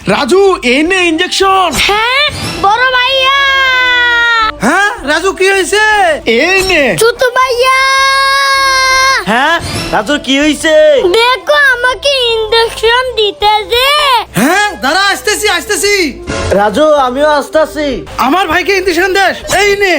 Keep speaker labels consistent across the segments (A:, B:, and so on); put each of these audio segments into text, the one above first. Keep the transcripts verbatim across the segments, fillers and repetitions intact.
A: রাজু এই নে ইনজেকশন।
B: হ্যাঁ বড় ভাইয়া।
C: হ্যাঁ রাজু কি হয়েছে?
A: এই নে।
B: ছোট ভাইয়া।
D: হ্যাঁ রাজু কি হয়েছে?
B: দেখো আমাকে ইনজেকশন দিতেছে।
C: হ্যাঁ দাঁড়া আসতেছি আসতেছি।
D: রাজু আমিও আসতেছি।
C: আমার ভাইকে ইঞ্জেকশন দেশ। এই নে।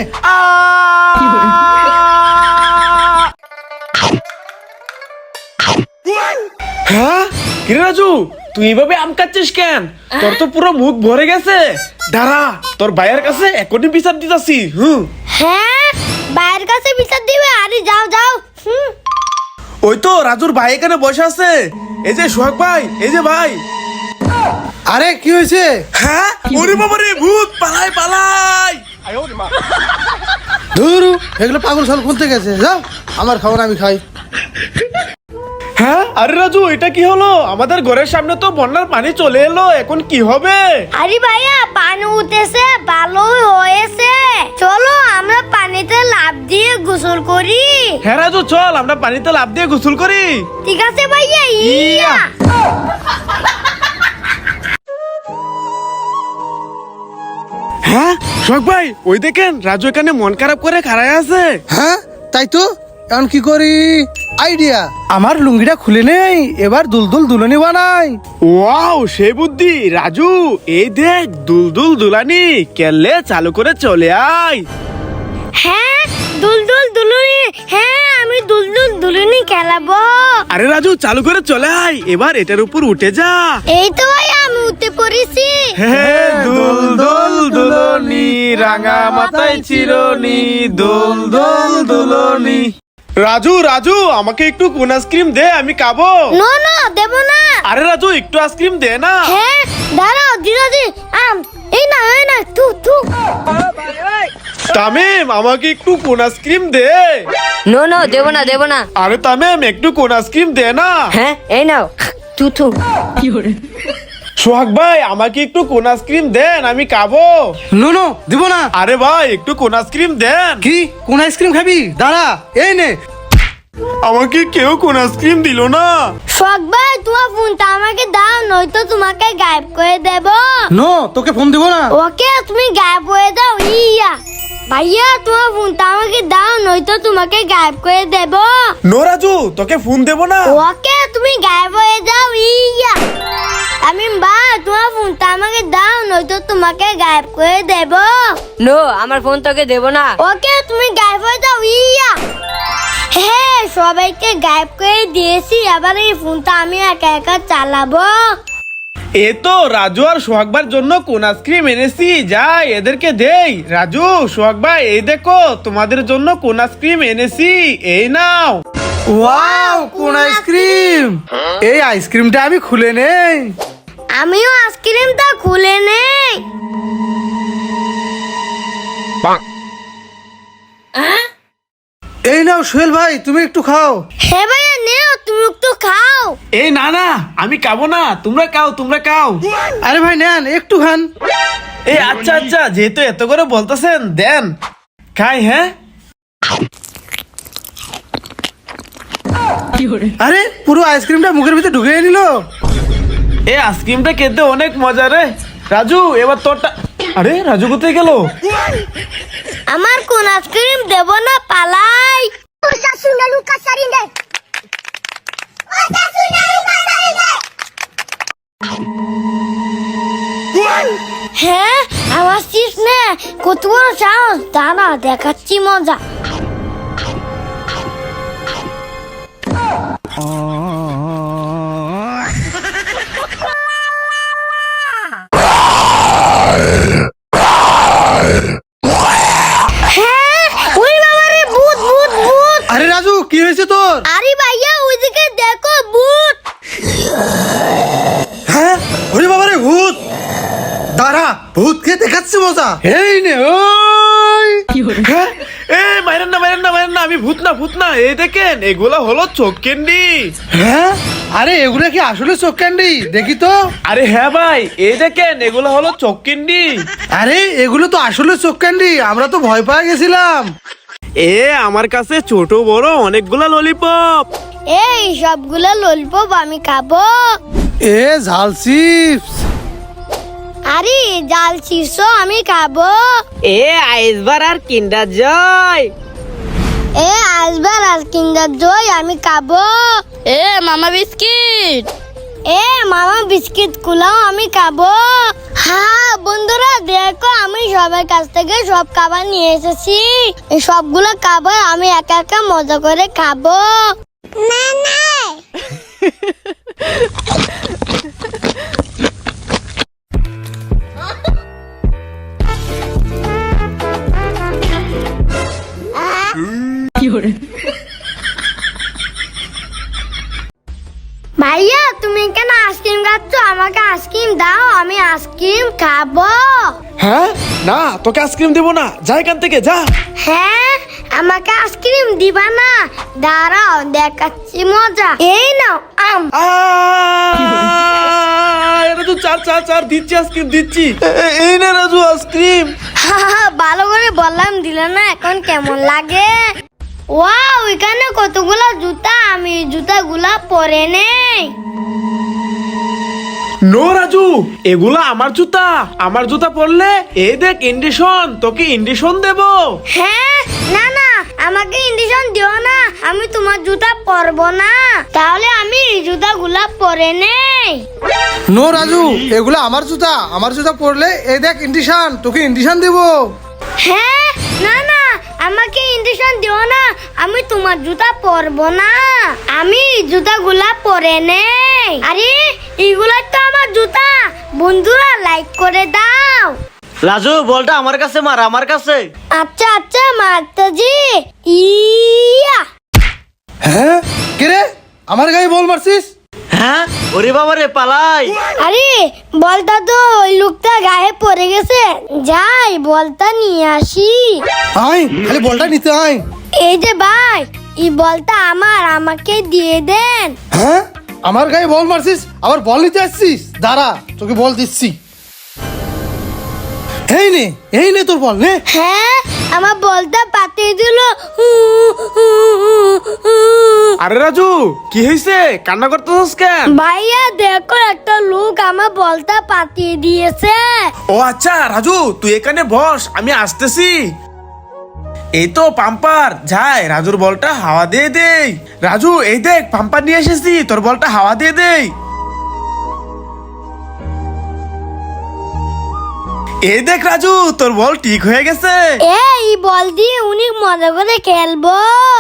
A: হ্যাঁ কিরে রাজু তুই এভাবে আম কাটছিস কেন? তোর তো পুরো মুখ ভরে গেছে। দাঁড়া তোর ভাইয়ের কাছে এখনই বিচার দিতাছি। হুম
B: হ্যাঁ বাইরের কাছে বিচার দিবে। আরে যাও যাও। হুম
A: ওই তো রাজুর ভাই এখানে বসে আছে। এই যে সোহাগ ভাই, এই যে ভাই।
C: আরে কি হয়েছে?
A: হ্যাঁ ওরে বাবা রে, ভূত পালাই পালাই।
C: ধুর এগুলো পাগল ছাল খুলতে গেছে। যাও আমার খাবার আমি খাই।
A: হ্যাঁ আরে রাজু এটা কি হলো? আমাদের ঘরের সামনে তো বন্যার পানি চলে এলো, এখন কি হবে?
B: আরে ভাইয়া পানি উঠেছে, ভালো হয়েছে। চলো আমরা পানিতে লাফ দিয়ে গোসল করি।
A: হ্যাঁ রাজু চল আমরা পানিতে লাফ দিয়ে গোসল করি।
B: ঠিক আছে ভাইয়া। ইয়া
A: হ্যাঁ সোহাগ ভাই ওই দেখেন রাজু এখানে মন খারাপ করে খাড়ায় আছে।
C: হ্যাঁ তাই তো, এখন কি করি? আইডিয়া, আমার লুঙ্গিটা খুলে নেই, এবার দুলদুল দুলনি বানাই।
A: ওয়াও সেই বুদ্ধি রাজু। এই দেখ দুলদুল দুলানি কেলে চালু করে চলে আয়।
B: হ্যাঁ দুলদুল দুলুনি। হ্যাঁ আমি দুলদুল দুলুনি খেলাবো।
A: আরে রাজু চালু করে চলে আয়, এবার এটার উপর উঠে যা।
B: এই তো ভাইয়া আমি উঠতে পড়েছি।
A: হ্যাঁ দুলদুল দুলনি রাঙা মাথায় চিরনি দুলদুল দুলনি। রাজু রাজু আমাকে একটু কোন আইসক্রিম দে, আমি খাবো।
B: নো নো দেব না।
A: আরে রাজু একটু আইসক্রিম দে না।
B: হ্যাঁ দাঁড়াও দিদি। আম এই না এই না তু তু।
A: তামিম আমাকে একটু কোন আইসক্রিম দে।
E: নো নো দেব না দেব না।
A: আরে তামিম একটু কোন আইসক্রিম দে না।
E: হ্যাঁ এই নাও তুথু।
A: সোহাগ ভাই আমাকে একটু কোন আইসক্রিম দেন, আমি খাবো।
C: নো নো দিব না।
A: আরে ভাই একটু কোন আইসক্রিম দেন।
C: কি কোন আইসক্রিম খাবি? দাঁড়া এই নে।
A: আমাকে কেউ কোন আইসক্রিম দিল না।
B: শখ ভাই তোমার ফোনটা আমাকে দাও, নয়তো তোমাকে গায়েব করে দেব।
C: নো তোকে ফোন দিব না।
B: ওকে তুমি গায়েব হয়ে দাও। ইয়া ভাইয়া তোমার ফোনটা আমাকে দাও, নয়তো তোমাকে গায়েব করে দেব।
A: নো রাজু তোকে ফোন দেব না।
B: ওকে তুমি গায়েব হয়ে যাও। ইয়া আমি বা তোমার ফোনটা আমাকে দাও, নয়তো তোমাকে গায়েব করে দেব।
E: নো আমার ফোন তোকে দেব না।
B: ওকে তুমি গায়েব হয়ে যাও। ইয়া হ্যাঁ সবাইকে গায়েব করে দিয়েছি, আবার এই ফোনটা আমি একা একা চালাবো।
A: এ তো রাজু আর সোহাগ ভাইয়ের জন্য কোন আইসক্রিম এনেছি, যাই এদেরকে দেই। রাজু সোহাগ ভাই এই দেখো তোমাদের জন্য কোন আইসক্রিম এনেছি, এই নাও।
C: ওয়াও কোন আইসক্রিম! এই আইসক্রিমটা আমি খুলে নেই।
B: আমিও আইসক্রিমটা খুলে নেই।
C: এই নাও সোহেল ভাই তুমি একটু খাও।
B: হ্যাঁ ভাইয়া নেও তুমি একটু খাও।
A: এই না না আমি খাবো না, তোমরা খাও তোমরা খাও।
C: আরে ভাই নেন একটু খান।
A: এই আচ্ছা আচ্ছা যেহেতু এত করে বলতেছেন দেন খাই। হ্যাঁ
C: আরে পুরো আইসক্রিমটা মুখের ভিতরে ঢুকে নিল।
A: এই আইসক্রিমটা খেতে অনেক মজা রে। রাজু এবার তোরটা। আরে রাজু কোথায় গেল?
B: আমার কোন আইসক্রিম দেব না, পালাই। হ্যাঁ আমার চিস নে কত বড় সাহস, দাঁড়া দেখাচ্ছি মজা। হ্যাঁ ওই বাবা রে ভূত ভূত ভূত।
C: আরে রাজু কি হয়েছে তোর?
B: আরে ভাইয়া ওইদিকে দেখো ভূত।
C: হ্যাঁ ওরে বাবা রে ভূত! দাঁড়া ভূতকে দেখাচ্ছি মজা। এই নে ওই।
A: হ্যাঁ এ মাইরেন না মাইরেন না মাইরেন না, আমি ভূত না ভূত না। এই দেখেন এগুলা হলো চোখ ক্যান্ডি।
C: হ্যাঁ আরে এগুলা কি আসলে চোখ ক্যান্ডি? দেখি তো।
A: আরে হ্যাঁ ভাই এই দেখেন এগুলো হলো চোখ ক্যান্ডি।
C: আরে এগুলো তো আসলে চোখ ক্যান্ডি, আমরা তো ভয় পেয়ে গেছিলাম।
A: এ আমার কাছে ছোট বড় অনেকগুলা ললিপপ।
B: এই সবগুলো ললিপপ আমি খাবো।
C: এ ঝাল চিপস।
B: আরে জাল চিপস আমি খাবো।
E: এ আইসবার আর কিন্ডার জয়।
B: এ আসবার আর কিন্ডার জয় আমি খাবো।
F: এ মামা বিস্কিট।
B: এ মামা বিস্কিট গুলাও আমি খাবো। হ্যাঁ বন্ধুরা দেখো আমি সবার কাছ থেকে সব খাবার নিয়ে এসেছি। এই সবগুলো খাবার আমি একা একা মজা করে খাবো। না না ভাইয়া তুমি কেন আইসক্রিম খাচ্ছ? আমাকে আইসক্রিম দাও, আমি আইসক্রিম খাবো।
A: হ্যাঁ না, তোকে আইসক্রিম দেবো না, যা এখান থেকে যা।
B: হ্যাঁ আমাকে আইসক্রিম দিবা না? দাঁড়াও দেখাচ্ছি মজা। এই নাও আম।
A: আহ! রাজু চার চার চার দিচ্ছি, আইসক্রিম দিচ্ছি। এ- এ- এই না রাজু আইসক্রিম।
B: ভালো করে বললাম দিলে না, এখন কেমন লাগে? ওয়াও এখানে কতগুলো জুতা, আমি জুতাগুলা পরে নেই।
A: নো রাজু, এগুলা আমার জুতা। আমার জুতা পরলে এই দেখ ইন্ডিশন, তোকে ইন্ডিশন দেবো।
B: হ্যাঁ না না আমাকে ইন্ডিশন দিও না, আমি তোমার জুতা পরবো না। তাহলে আমি এই জুতাগুলা পরে নেই।
C: নো রাজু, এগুলো আমার জুতা। আমার জুতা পরলে এই দেখ ইন্ডিশন, তোকে ইন্ডিশন দেবো।
B: হ্যাঁ না না আমাকে ইন্ডিশন দিও না, আমি তোমার জুতা পরবো না। আমি জুতাগুলা পরে নেই। আরে এগুলা তো আমার জুতা। বন্ধুরা লাইক করে দাও।
D: রাজু বলটা আমার কাছে মার, আমার কাছে।
B: আচ্ছা আচ্ছা মাতাজি। ইয়া
C: হ্যাঁ কে রে, আমার গায়ে বল মারছিস?
D: হ্যাঁ ওরে বাবা রে, পালাই।
B: আরে বলটা তো ওই লোকটা গায়ে পড়ে গেছে, যাই বলটা নিয়ে আসি।
C: আয় খালি বলটা নিতে আয়।
B: এই যে ভাই এই বলটা আমার, আমাকে দিয়ে দেন।
C: হ্যাঁ আমার গায়ে বল মারছিস, আবার বল নিতে আসছিস? দাঁড়া তোকে বল দিচ্ছি। এই নে, এই নে তোর বল নে।
B: হ্যাঁ আমার বলটা পাতিয়ে দিল।
A: আরে রাজু কি হয়েছে, কান্না করতেছিস কেন?
B: ভাইয়া দেখো একটা লোক আমার বলটা পাতিয়ে দিয়েছে।
A: ও আচ্ছা রাজু, তুই এখানে বস, আমি আসতেছি। এই তো পাম্পার, যাই রাজুর বলটা হাওয়া দিয়ে দেই। রাজু এই দেখ পাম্পার নিয়ে এসেছি, তোর বলটা হাওয়া দিয়ে দেই। এই দেখ রাজু, তোর বল ঠিক হয়ে গেছে।
B: এই বল দিয়ে উনি মজা করে খেলবো।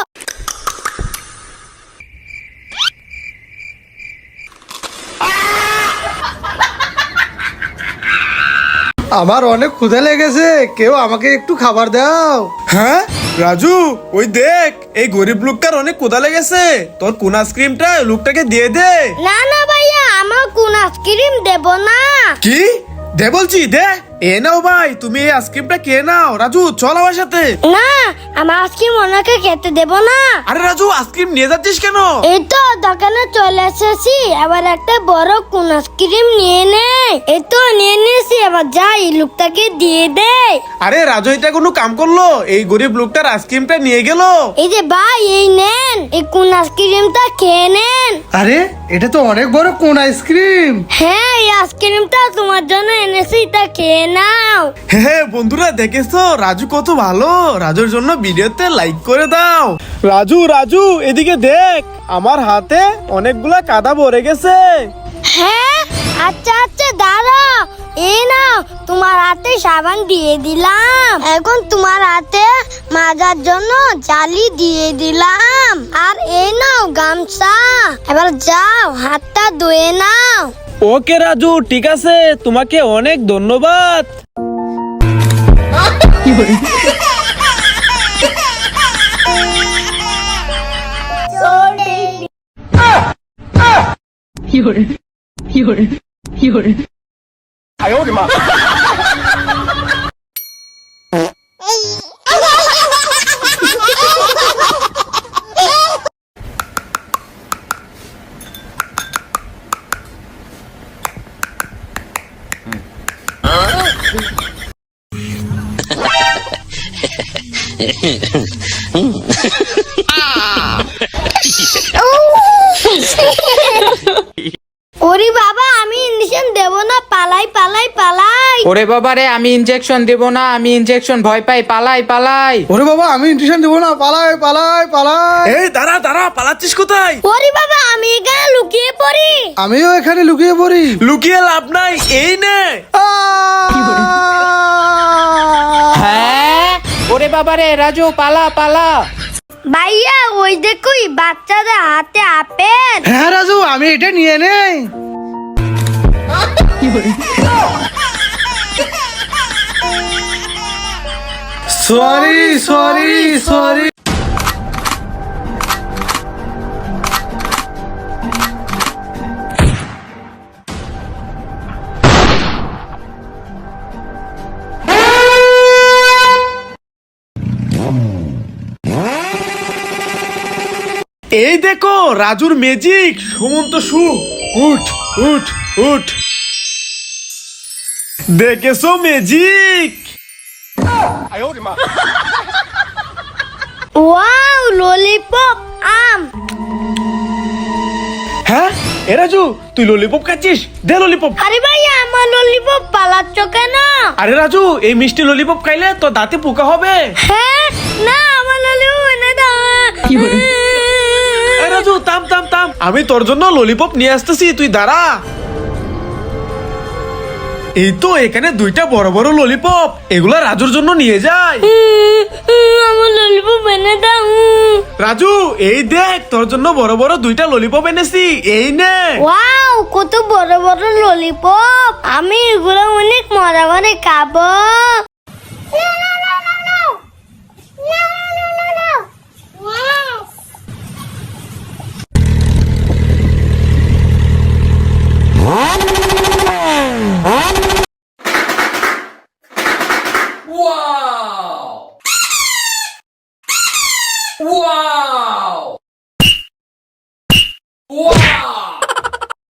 C: আমার অনেক ক্ষুধা লেগেছে, কেউ আমাকে একটু খাবার দাও।
A: হ্যাঁ রাজু, ওই দেখ এই গরিব লোকটার অনেক ক্ষুধা লেগেছে, তোর কোন আইসক্রিমটা ওই লোকটাকে দিয়ে দে।
B: না না ভাইয়া আমার কোন আইসক্রিম দেব না।
A: কি দে বলছি, দে। এ নাও ভাই, তুমি এই আইসক্রিমটা কে নাও। রাজু চল আমার সাথে।
B: না আমার আইসক্রিম ওনাকে খেতে দেব না।
A: আরে রাজু আইসক্রিম নিয়ে যাচ্ছিস কেন?
B: এই তো দোকানে চলে এসেছি, এবার একটা বড় কোন আইসক্রিম নিয়ে নে। এই তো নিয়ে নিয়েছি, এবার যাই লোকটাকে দিয়ে দে।
A: আরে রাজু এটা কোনো কাম করলো, এই গরিব লোকটার আইসক্রিমটা নিয়ে গেল।
B: এই যে ভাই এই নেন, এই কোন আইসক্রিমটা খেয়ে নেন।
C: আরে এটা তো অনেক বড় কোন আইসক্রিম।
B: হ্যাঁ এই আইসক্রিমটা তোমার জন্য এনেছি, তা খেয়ে নাও।
A: হ্যাঁ বন্ধুরা দেখেছো রাজু কত ভালো, রাজুর জন্য ভিডিওতে লাইক করে দাও। রাজু রাজু এদিকে দেখ, আমার হাতে অনেকগুলা কাদা ভরে গেছে।
B: হ্যাঁ আচ্ছা আচ্ছা দাঁড়াও, এই নাও তোমার হাতে সাবান দিয়ে দিলাম, এখন তোমার হাতে মাজার জন্য জালি দিয়ে দিলাম, আর এই নাও গামছা, এবার যাও হাতটা ধুয়ে নাও।
A: ওকে রাজু ঠিক আছে, তোমাকে অনেক ধন্যবাদ।
B: ওরে বাবা আমি ইঞ্জেকশন দেব না, পালাই পালাই পালাই।
G: ওরে বাবা রে, আমি ইনজেকশন দেব না, আমি ইনজেকশন ভয় পাই, পালাই পালাই।
C: ওরে বাবা আমি ইনজেকশন দেবো না, পালাই পালাই পালাই।
A: এই দাঁড়া দাঁড়া, পালাচ্ছিস কোথায়?
B: ওরে বাবা আমি এখানে লুকিয়ে পড়ি।
C: আমিও এখানে লুকিয়ে পড়ি।
A: লুকিয়ে লাভ নাই, এই নে।
G: হ্যাঁ, ওরে বাবা রে, রাজু পালা পালা।
B: ভাইয়া ওই দেখো বাচ্চাদের হাতে আপেল।
C: হ্যাঁ রাজু, আমি এটা নিয়ে নেই। Sorry sorry sorry.
A: এই দেখো রাজুর ম্যাজিক। সুমন্ত সু, উঠ উঠ উঠ। দেখেছো ম্যাজিক?
B: ওয়াও ললিপপ আম।
A: হ্যাঁ এ রাজু, তুই ললিপপ খাচ্ছিস? দে ললিপপ।
B: আরে ভাইয়া আমার ললিপপ পালাচ্ছ কেন?
A: আরে রাজু, এই মিষ্টি ললিপপ খাইলে তোর দাঁতে পোকা হবে।
B: হ্যাঁ না আমার ললিপপ এনে দাও।
A: এই রাজু থাম থাম থাম, আমি তোর জন্য ললিপপ নিয়ে আসতেছি, তুই দাঁড়া। এই তো এখানে দুইটা বড় বড় ললিপপ, এগুলা রাজুর জন্য নিয়ে যায়।
B: আমার ললিপপ এনে দাও।
A: রাজু এই দেখ, তোর জন্য বড় বড় দুইটা ললিপপ এনেছি, এই নে।
B: ওয়াও কত বড় বড় ললিপপ, আমি এগুলো অনেক মজা করে খাবো।
G: Wow!